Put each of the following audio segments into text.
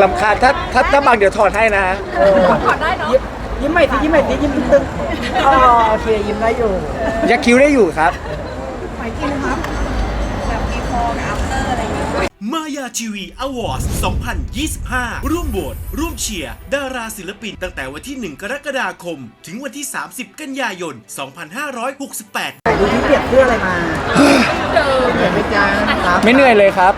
ลำคาญถ้าบางเดี๋ยวถอดให้นะฮะถอดได้เนาะยิ้มใหม่สิยิ้มใหม่สิยิ้มตึงๆอ๋อโอเคยิ้มได้อยู่ยักคิ้วได้อยู่ครับมายาทีวีอวอร์ด2025 ร่วมโหวตร่วมเชียร์ดาราศิลปินตั้งแต่วันที่ 1 กรกฎาคม ถึงวันที่ 30 กันยายน 2568 ดูที่เปรียบเพื่ออะไรมาเปรียบไม่จ้าครับไม่เหนื่อยเลยครับ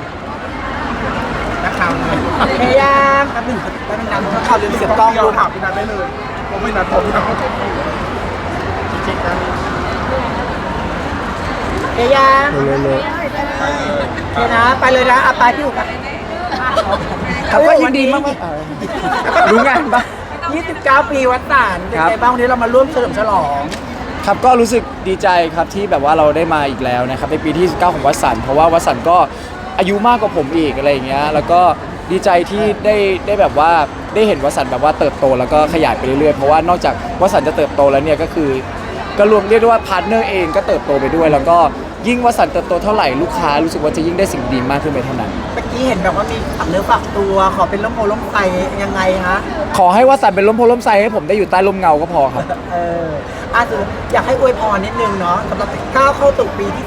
นักข่าวพยายามครับหนึ่งแล้วเป็นนำนักข่าวลืมเสียบกล้องดูข่าวพี่นัทได้เลยผมไม่นัดผมนะพยายามเลยโอเคนะไปเลยนะเอาไปที่อยู่กันเขาก็ยินดีมากรู้งานปะ 29 ปีวัดต่านเป็นไงบ้างวันนี้เรามาร่วมเฉลิมฉลองครับก็รู้สึกดีใจครับที่แบบว่าเราได้มาอีกแล้วนะครับในปีที่ 19 ของวัดสันเพราะว่าวัดสันก็อายุมากกว่าผมอีกอะไรอย่างเงี้ยแล้วก็ดีใจที่ได้แบบว่าได้เห็นวัดสันแบบว่าเติบโตแล้วก็ขยายไปเรื่อยๆเพราะว่านอกจากวัดสันจะเติบโตแล้วเนี่ยก็คือก็รวมเรียกได้ว่าพาร์ทเนอร์เองก็เติบโตไปด้วย แล้วก็ยิ่งวัดสันเติบโตเท่าไหร่ลูกค้ารู้สึกว่าจะยิ่งได้สิ่งดีมากขึ้นไปเท่านั้นเมื่อกี้เห็นแบบว่ามีฝักเนื้อฝักตัวขอเป็นล้มโพล้มไฟยังไงฮะขอให้วัดสันเป็นล้มโพล้มไซให้ผมได้อยู่ใต้ร่มเงาก็พอครับสุดอยากให้อวยพรนิดนึงเนาะสำหรับก้าวเข้าสู่ปีที่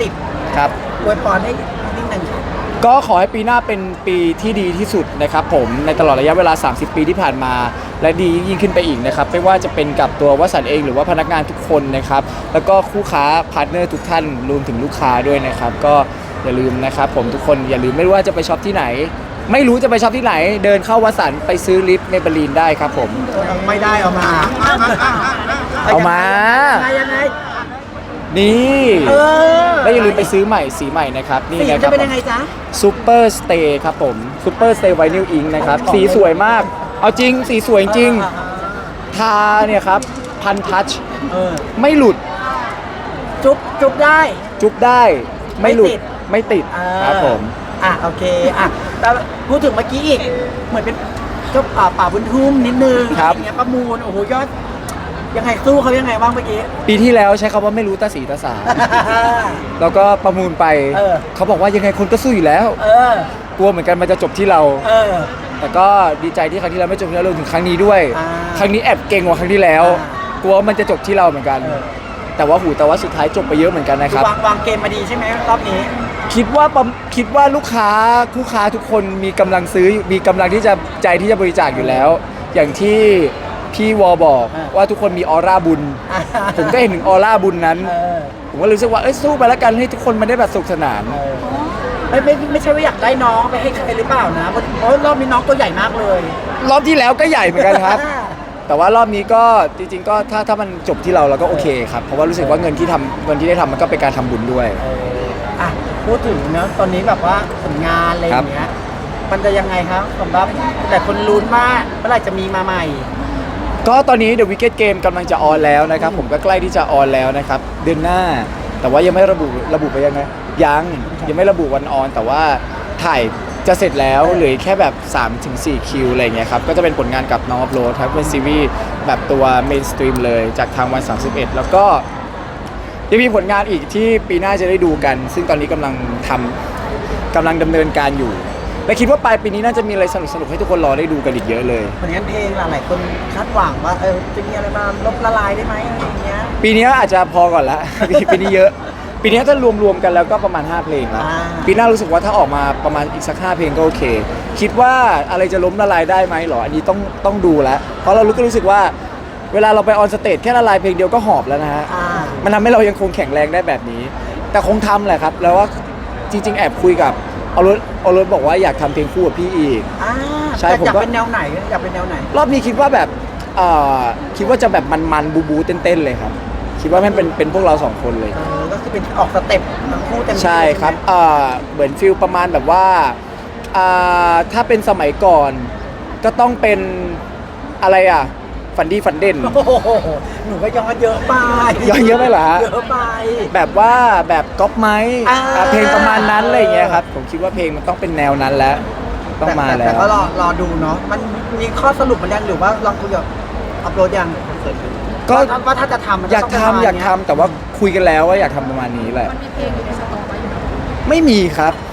30 ครับอวยพรให้นิดนึงครับก็ขอให้ปีหน้าเป็นปีที่ดีที่สุดนะครับผมในตลอดระยะเวลา 30 ปีที่ผ่านมา และดียิ่งขึ้นไปอีกนะครับไม่ว่าจะเป็นกับตัววสันต์เองหรือว่าพนักงานทุกคนนะครับแล้วก็คู่ค้าพาร์ทเนอร์ทุกท่านรวมถึงลูกค้าด้วยนะครับก็อย่าลืมนะครับผมทุกคนอย่าลืมไม่ว่าจะไปช็อปที่ไหน ไม่รู้จะไปช็อปที่ไหน เดินเข้าวสันต์ไปซื้อลิปเมเบลีนได้ครับผมไม่ได้เอามาเอามายังไงนี่เออและอย่าลืมไปซื้อใหม่สีใหม่นะครับนี่สีนะคจะรับเป็นยังไงจ๊ะซูเปอร์สเตย์ครับผมซูเปอร์สเตย์ไวนิลอิงนะครับสีสวยมากเอาจริงสีสวยจริง ทาเนี่ยครับพันทัชเออไม่หลุดจุ๊บได้จุ๊บได้ไม่หลุดไม่ติดไม่ติดครับผมโอเคแต่พูดถึงเมื่อกี้อีกเหมือนเป็นเจ้าป่าบุญทุ่มนิดนึงครับอย่างเงี้ยประมูลโอ้โหยอดยังไงสู้เขายังไงบ้างเมื่อกี้ปีที่แล้วใช้คำว่าไม่รู้ตาสีตาสา แล้วก็ประมูลไปเออเขาบอกว่ายังไงคนก็สู้อยู่แล้วเออกลัวเหมือนกันมันจะจบที่เราเออแต่ก็ดีใจที่ครั้งที่แล้วไม่จบที่เรารวมถึงครั้งนี้ด้วยอ่าครั้งนี้แอบเก่งกว่าครั้งที่แล้วอ่กลัวมันจะจบที่เราเหมือนกันเออแต่ว่าสุดท้ายจบไปเยอะเหมือนกันนะครับวางเกมมาดีใช่ไหมรอบนี้คิดว่าลูกค้าทุกคนมีกำลังซื้อมีกำลังที่จะใจที่จะบริจาคอยู่แล้ว อย่างที่พี่วอบอกอ่าว่าทุกคนมีออร่าบุญ ผมก็เห็นถึงออร่าบุญนั้นเออผมก็รู้สึกว่าสู้ไปแล้วกันให้ทุกคนมันได้แบบสนุกสนานเออไม่ใช่ว่าอยากได้น้องไปให้ใครหรือเปล่านะเพราะรอบนี้น้องตัวใหญ่มากเลยรอบที่แล้วก็ใหญ่เหมือนกันครับ แต่ว่ารอบนี้ก็จริงๆก็ถ้ามันจบที่เราก็โอเคครับเพราะว่ารู้สึกว่าเงินที่ได้ทำมันก็เป็นการทำบุญด้วยพูดถึงเนอะตอนนี้แบบว่าผลงานอะไรอย่างเงี้ยมันจะยังไงครับสำหรับแต่คนลุ้นว่าเมื่อไหร่จะมีมาใหม่ก็ตอนนี้ The Wicked Game กำลังจะออนแล้วนะครับผมก็ใกล้ที่จะออนแล้วนะครับเดือนหน้า แต่ว่ายังไม่ระบุไปยังไงยังไม่ระบุวันออน แต่ว่าถ่ายจะเสร็จแล้วเหลือแค่แบบ 3-4 คิวอะไรเงี้ยครับก็จะเป็นผลงานกับน้องอัพโหลดครับเป็นซีรีส์แบบตัวเมนสตรีมเลยจากทางวัน 31 แล้วก็ยังมีผลงานอีกที่ปีหน้าจะได้ดูกัน ซึ่งตอนนี้กำลังดำเนินการอยู่และคิดว่าปลายปีนี้น่าจะมีอะไรสนุกๆให้ทุกคนรอได้ดูกันอีกเยอะเลยผลงานเพลงหลายคนคาดหวังว่าจะมีอะไรมาลบละลายได้ไหมอะไรอย่างเงี้ยปีนี้อาจจะพอก่อนละ ปีนี้เยอะ ปีนี้ถ้ารวมกันแล้วก็ประมาณ 5 เพลงแล้ว ปีหน้ารู้สึกว่าถ้าออกมาประมาณอีกสัก 5 เพลงก็โอเค คิดว่าอะไรจะล้มละลายได้ไหมหรอ อันนี้ต้องดูแล้ว เพราะเราก็รู้สึกว่าเวลาเราไปออนสเตจแค่ละลายเพลงเดียวก็หอบแล้วนะฮะ มันทำให้เรายังคงแข็งแรงได้แบบนี้ แต่คงทำแหละครับ แล้วว่าจริงๆแอบคุยกับเอารถบอกว่าอยากทำเพลงคู่กับพี่อีก ใช่แต่ผมอยากก็เป็นแนวไหนอยากเป็นแนวไหนรอบนี้คิดว่าแบบคิดว่าจะแบบมันๆบูเต้นๆเลยครับ คิดว่ามันเป็นพวกเรา2 คนเลยก็คือเป็นออกสเต็ปทั้งคู่เต็มที่ใช่ครับเหมือนฟิลประมาณแบบว่าถ้าเป็นสมัยก่อนก็ต้องเป็นอะไรฝันดีฝันเด่นโอ้โหหนูก็ย้อนเยอะไปย้อนเยอะไปเหรอฮะเยอะไปแบบว่าแบบก๊อปไม้ เพลงประมาณนั้นอะไรอย่างเงี้ยครับผมคิดว่าเพลงมันต้องเป็นแนวนั้นแล้วต้องมาแล้แต่วก็รอดูเนาะมันมีข้อสรุปมันยังหรือว่าลองคุยกับอัพโหลดยังก็ว่าถ้าจะทำมันอยากจะต้องเป็นประมณทำเนี้แต่ว่าคุยกันแล้วว่าอยากทำประมาณนี้แหละมันมีเพลงอยู่ในสต็อกไว้อยู่ไม่มีครับใหม่เลย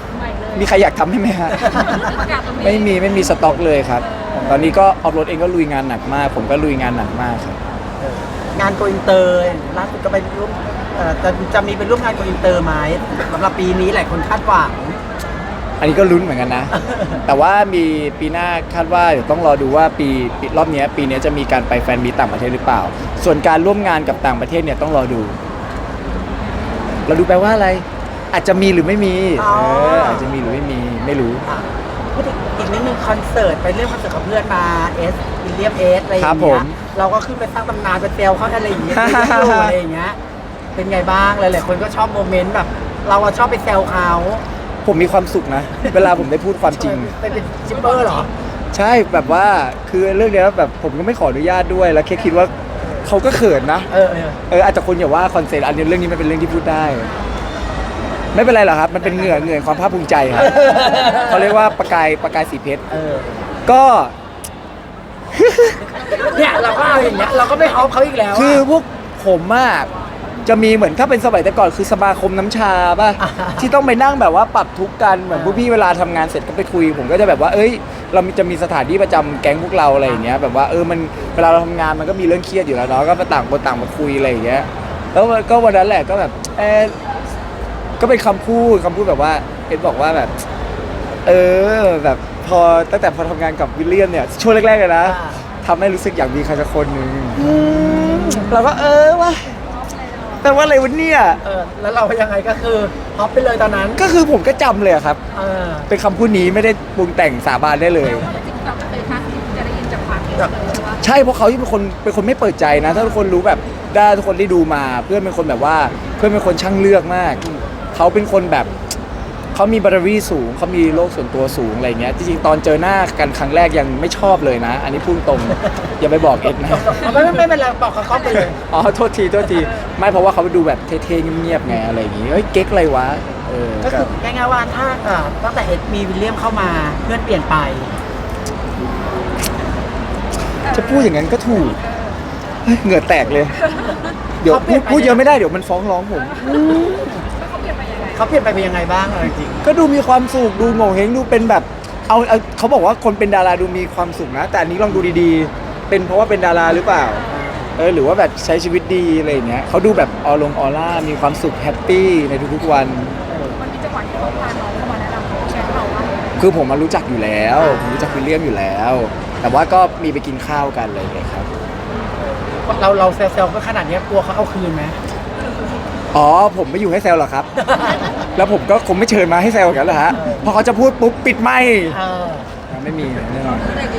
มีใครอยากทำให้ไหมฮะ ไม่มีสต็อกเลยครับ ตอนนี้ก็ออฟโรดเองก็ลุยงานหนักมาก ผมก็ลุยงานหนักมากครับงานโกอินเตอร์ล่าสุดก็ไปร่วมจะมีไปร่วมงานโกอินเตอร์ไหมสำหรับปีนี้หลายคนคาดหวังอันนี้ก็ลุ้นเหมือนกันนะ แต่ว่ามีปีหน้าคาดว่าเดี๋ยวต้องรอดูว่าปีรอบเนี้ยปีเนี้ยจะมีการไปแฟนมีตต่างประเทศหรือเปล่า ส่วนการร่วมงานกับต่างประเทศเนี่ยต้องรอดู เราดูแปลว่าอะไร อาจจะมีหรือไม่มีอ๋ออาจจะมีหรือไม่มีไม่รู้อ่ะพูดอีกนิดนึงคอนเสิร์ตไปเรื่องคอนเสิร์ตกับเพื่อนมาวิลเลียมอะไรอย่างครับผเงี้มยเราก็ขึ้นไปสร้างตำนานไปเซลเขาอะไรอย่างเงี้ยอะไรอย่างเงี้ยเป็นไงบ้างหลายๆคนก็ชอบโมเมนต์แบบ เราอะชอบไปแซวเขาผมมีความสุขนะ เวลาผมได้พูดความจริงไปเป็นจิปเปอร์เหรอใช่แบบว่าคือเรื่องเนี้ยแบบผมก็ไม่ขออนุญาตด้วยแล้วแค่คิดว่าเขาก็เขินนะ อาจจะคนอย่าว่าคอนเซ็ปต์อันนี้เรื่องนี้มันเป็นเรื่องที่พูดได้ ไม่เป็นไรหรอกครับ มันเป็นเหงื่อความภาคภูมิใจครับ เขาเรียกว่าประกายสีเพชรก็เนี่ยเราก็เอาอย่างเงี้ยเราก็ไม่เอาเขาอีกแล้วะคือพวกผมมากจะมีเหมือนถ้าเป็นสมัยแต่ก่อนคือสมาคมน้ำชาป่ะ ที่ต้องไปนั่งแบบว่าปรับทุกข์กันเหมือนพวกพี่เวลาทำงานเสร็จก็ไปคุย ผมก็จะแบบว่าเอ้ยเราจะมีสถานที่ประจำแก๊งพวกเราอะไรอย่างเงี้ยแบบว่ามันเวลาเราทำงานมันก็มีเรื่องเครียดอยู่แล้วเนาะก็มาต่างคนต่างมาคุยอะไรอย่างเงี้ยแล้วก็วันนั้นแหละก็แบบก็เป็นคำพูดแบบว่าบอกว่าแบบแบบพอตั้งแต่พอทำงานกับวิลเลียมเนี่ยช่วงแรกๆเลยนะทำให้รู้สึกอยากมีใครสักคนหนึ่งเราก็ว่ะแต่ว่าอะไรวะเนี่ยแล้วเรายังไงก็คือฮอปไปเลยตอนนั้นก็คือผมก็จำเลยอะครับ เป็นคำพูดนี้ไม่ได้ปรุงแต่งสาบานได้เลย ใช่เพราะเขาที่เป็นคนไม่เปิดใจนะ ถ้าทุกคนรู้แบบได้ทุกคนได้ดูมา เพื่อนเป็นคนแบบว่าเพื่อนเป็นคนช่างเลือกมาก เขาเป็นคนแบบเขามีบารมีสูงเขามีโลกส่วนตัวสูงอะไรเงี้ยจริงๆตอนเจอหน้ากันครั้งแรกยังไม่ชอบเลยนะ อันนี้พูดตรง อย่าไปบอกเอ็ดนะไม่เป็นไรบอกเขาไปเลยอ๋อโทษทีไม่เพราะว่าเขาดูแบบเท่ๆเงียบๆไงอะไรอย่างงี้เฮ้ยเก๊กอะไรวะก็คือง่ายๆว่าถ้าตั้งแต่มีวิลเลียมเข้ามาเพื่อนเปลี่ยนไปจะพูดอย่างนั้นก็ถูกเฮ้ยเหงื่อแตกเลย เดี๋ยวพูดเยอะไม่ได้เดี๋ยวมันฟ้องร้องผมเขาเปลี่ยนไปเป็นยังไงบ้างจริงก็ดูมีความสุขดูโง่เฮงดูเป็นแบบเอาเขาบอกว่าคนเป็นดาราดูมีความสุขนะ แต่อันนี้ลองดูดีๆ เป็นเพราะว่าเป็นดาราหรือเปล่าหรือว่าแบบใช้ชีวิตดีอะไรอย่างเงี้ยเขาดูแบบออร่ามีความสุขแฮปปี้ในทุกๆวันมันมีจังหวะที่เขาพาน้องเข้ามาแนะนำแชร์ให้เราว่าคือผมมารู้จักอยู่แล้วผมรู้จักวิลเลียมอยู่แล้ว แต่ว่าก็มีไปกินข้าวกันอะไรอย่างเงี้ยครับๆเราเซลก็ขนาดนี้กลัวเขาเอาคืนไหมอ๋อผมไม่อยู่ให้แซวหรอกครับ แล้วผมก็คงไม่เชิญมาให้แซวกันแล้วฮะพอเขาจะพูดปุ๊บปิดไม่ไม่มีแน่นอน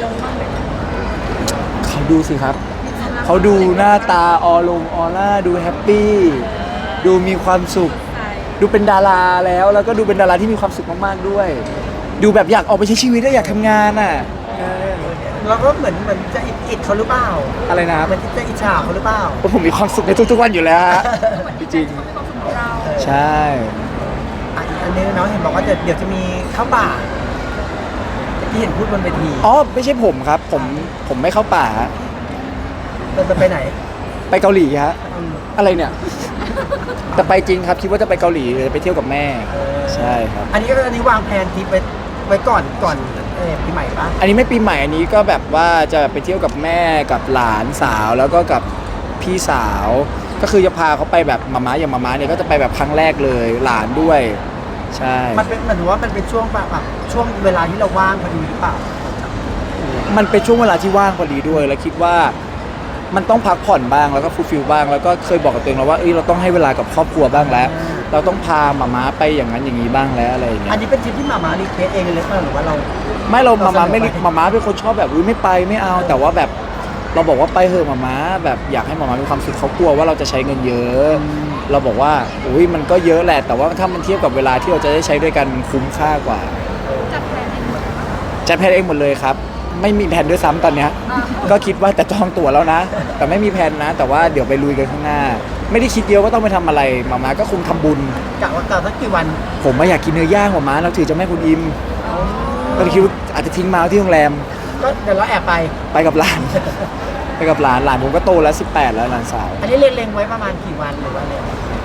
เขาดูสิครับเขาดูหน้าตาออร่าดูแฮปปี้ดูมีความสุข ดูเป็นดาราแล้วก็ดูเป็นดาราที่มีความสุขมากๆด้วย ดูแบบอยากออกไปใช้ชีวิตอยากทำงานอ่ะเราก็เหมือนจะอิดเขาหรือเปล่าอะไรนะครับเหมือนจะอิจฉาเขาหรือเปล่าผมมีความสุขในทุกๆวันอยู่แล้วฮะจริงเขามีความสุขของเราๆใช่อีกอันนึงน้องเห็นบอกว่าเดี๋ยวจะมีเข้าป่าที่เห็นพูดบนเวทีอ๋อไม่ใช่ผมครับผมไม่เข้าป่าฮะจะไปไหนไปเกาหลีฮะอะไรเนี่ยแต่ไปจริงครับคิดว่าจะไปเกาหลีไปเที่ยวกับแม่ใช่ครับอันนี้วางแผนทริปไว้ก่อนปีใหม่ปะอันนี้ไม่ปีใหม่อันนี้ก็แบบว่าจะไปเที่ยวกับแม่กับหลานสาวแล้วก็กับพี่สาว ก็คือจะพาเขาไปแบบมาม่าอย่างมาม่าเนี่ยก็จะไปแบบครั้งแรกเลยหลานด้วยใช่มันเป็นเหมือนว่ามันเป็นช่วงแบบช่วงเวลาที่เราว่างพอดีหรือเปล่ามันเป็นช่วงเวลาที่ว่างพอดีด้วยแล้วคิดว่ามันต้องพักผ่อนบ้างแล้วก็ฟูลฟิลบ้างแล้วก็เคยบอกกับตัวเองแล้วว่าเราต้องให้เวลากับครอบครัวบ้างแล้ว เราต้องพามาม่าไปอย่างนั้นอย่างนี้บ้างแล้วอะไรอย่างเงี้อันยนี้เป็นทริปที่มารีเควสเองเลยหรือเปล่าหรือว่าเราไม่เรามาม่าไม่เราเสนอไปมาม่าเป็นคนชอบแบบไม่ไปไม่เอา แต่ว่าแบบเราบอกว่าไปเถอะมาม่าแบบอยากให้มาม่ามีความสุขเขากลัวว่าเราจะใช้เงินเยอะ เราบอกว่ามันก็เยอะแหละแต่ว่าถ้ามันเทียบกับเวลาที่เราจะได้ใช้ด้วยกันมันคุ้มค่ากว่าจัดแผนเองหมดเลยปะจัดแผนเองหมดเลยครับไม่มีแผนด้วยซ้ำตอนเนี้ยก็คิดว่าแต่จองตั๋วแล้วนะ แต่ไม่มีแผนนะ แต่ว่าเดี๋ยวไปลุยกันข้างหน้า ไม่ได้คิดเยอะว่าต้องไปทำอะไรมาม่าก็คงทำบุญกะสักกี่วันผมไม่อยากกินเนื้อย่างมาม่าเราถือจะแม่คุณอิมก็เลยคิดว่าอาจจะทิ้งมาที่โรงแรมก็เดี๋ยวเราแอบไปไปกับหลาน ไปกับหลานผมก็โตแล้ว18แล้วหลานสาวอันนี้เล็งไว้ประมาณกี่วันหรือว่าอะไร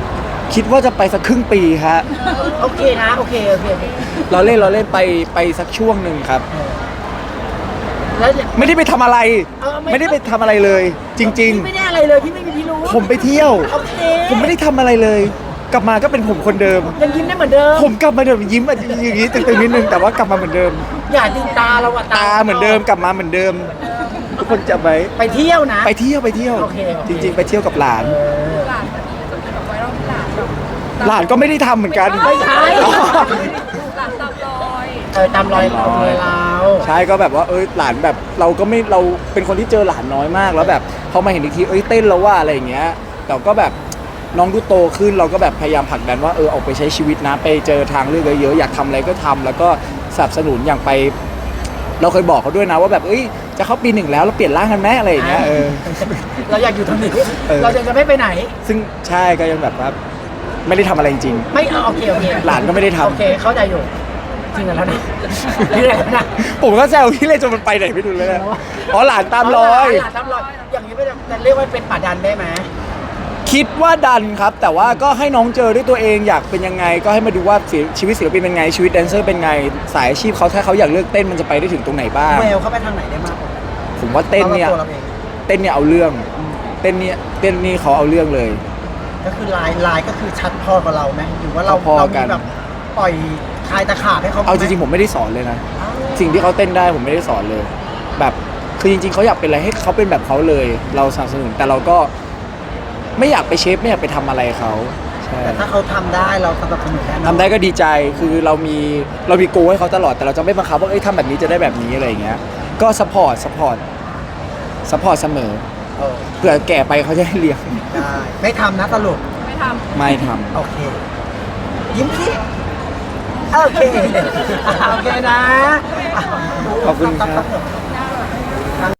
คิดว่าจะไปสักครึ่งปีฮะโอเคนะโอเคเราเล่นไปสักช่วงหนึ่งครับแล้วไม่ได้ไปทำอะไร ไม่ได้ไปทำอะไรเลย จริงพี่ไม่ได้อะไรเลยพี่ไม่มีพิรุธๆ ผมไปเที่ยวโอเคผมไม่ได้ทำอะไรเลย กลับมาก็เป็นผมคนเดิมยังยิ้มได้เหมือนเดิมผมกลับมาเดิมยิ้มอย่างนี้ตึงๆนิดนึงแต่ว่ากลับมาเหมือนเดิมอย่าดิตาเราอะตาเหมือนเดิมกลับมาเหมือนเดิม ทุกคนจะไปไปเที่ยวนะไปเที่ยวโอเคจริง ๆ ไปเที่ยวกับหลานหลานมันจะมีแบบไวรัลที่หลานแบบหลานก็ไม่ได้ทำเหมือนกันไม่ใช่อ๋อหลานตามรอยตามรอยเราใช่ก็แบบว่าหลานแบบเราก็ไม่เราเป็นคนที่เจอหลานน้อยมากแล้วแบบพอมาเห็นอีกทีเต้นแล้วว่าอะไรอย่างเงี้ยแต่ก็แบบน้องดูโตขึ้นเราก็แบบพยายามผลักดันว่าออกไปใช้ชีวิตนะไปเจอทางเลือกเยอะๆอยากทำอะไรก็ทำแล้วก็สนับสนุนอย่างไป เราเคยบอกเขาด้วยนะว่าแบบจะเข้าปีหนึ่งแล้วเราเปลี่ยนร่างกันไหมอะไรอย่างเงี้ยเราอยากอยู่ตรงนี้เออเราจะไม่ไปไหน ซึ่งใช่ก็ยังแบบว่าไม่ได้ทำอะไรจริงไม่โอเคหลานก็ไม่ได้ทำโอเคเข้าใจอยู่จริงแล้วนะนี่แหละนะผมก็แซวพี่เลยจนมันไปไหนไม่รู้เลยนะอ๋อหลานตามรอยหลานตามรอยอย่างนี้ไม่จะเรียกว่าเป็นป่าดันได้ไหมคิดว่าดันครับ แต่ว่าก็ให้น้องเจอด้วยตัวเองอยากเป็นยังไง ก็ให้มาดูว่าชีวิตศิลปินเป็นไงชีวิตแดนเซอร์เป็นไงสายอาชีพเขาถ้าเขาอยากเลือกเต้นมันจะไปได้ถึงตรงไหนบ้างแววเขาไปทางไหนได้มากกว่าผมว่าเต้นเนี่ยตัวเราเองเต้นเนี่ยเอาเรื่องเต้นนี่เขาเอาเรื่องเลยก็คือลายก็คือชัดพอกับเราไหมหรือว่าเราพอๆกันมีแบบปล่อยคลายตะขาบให้เขาเอาจริงๆผมไม่ได้สอนเลยนะ สิ่งที่เขาเต้นได้ผมไม่ได้สอนเลย แบบคือจริงๆเขาอยากเป็นอะไรให้เขาเป็นแบบเขาเลย เราสนับสนุนแต่เราก็ไม่อยากไปเชฟไม่อยากไปทำอะไรเขาใช่แต่ถ้าเขาทำได้เราสนับสนุนแน่นอนทำได้ก็ดีใจคือเรามีโกให้เขาตลอดแต่เราจะไม่บังคับว่าทำแบบนี้จะได้แบบนี้อะไรอย่างเงี้ยก็ซัพพอร์ตเสมอเออเผื่อแก่ไปเขาจะได้เลี้ยงได้ไม่ทำนะสรุปไม่ทำไม่ทำโอเค ยิ้มสิโอเคโอเคนะขอบคุณครับครับ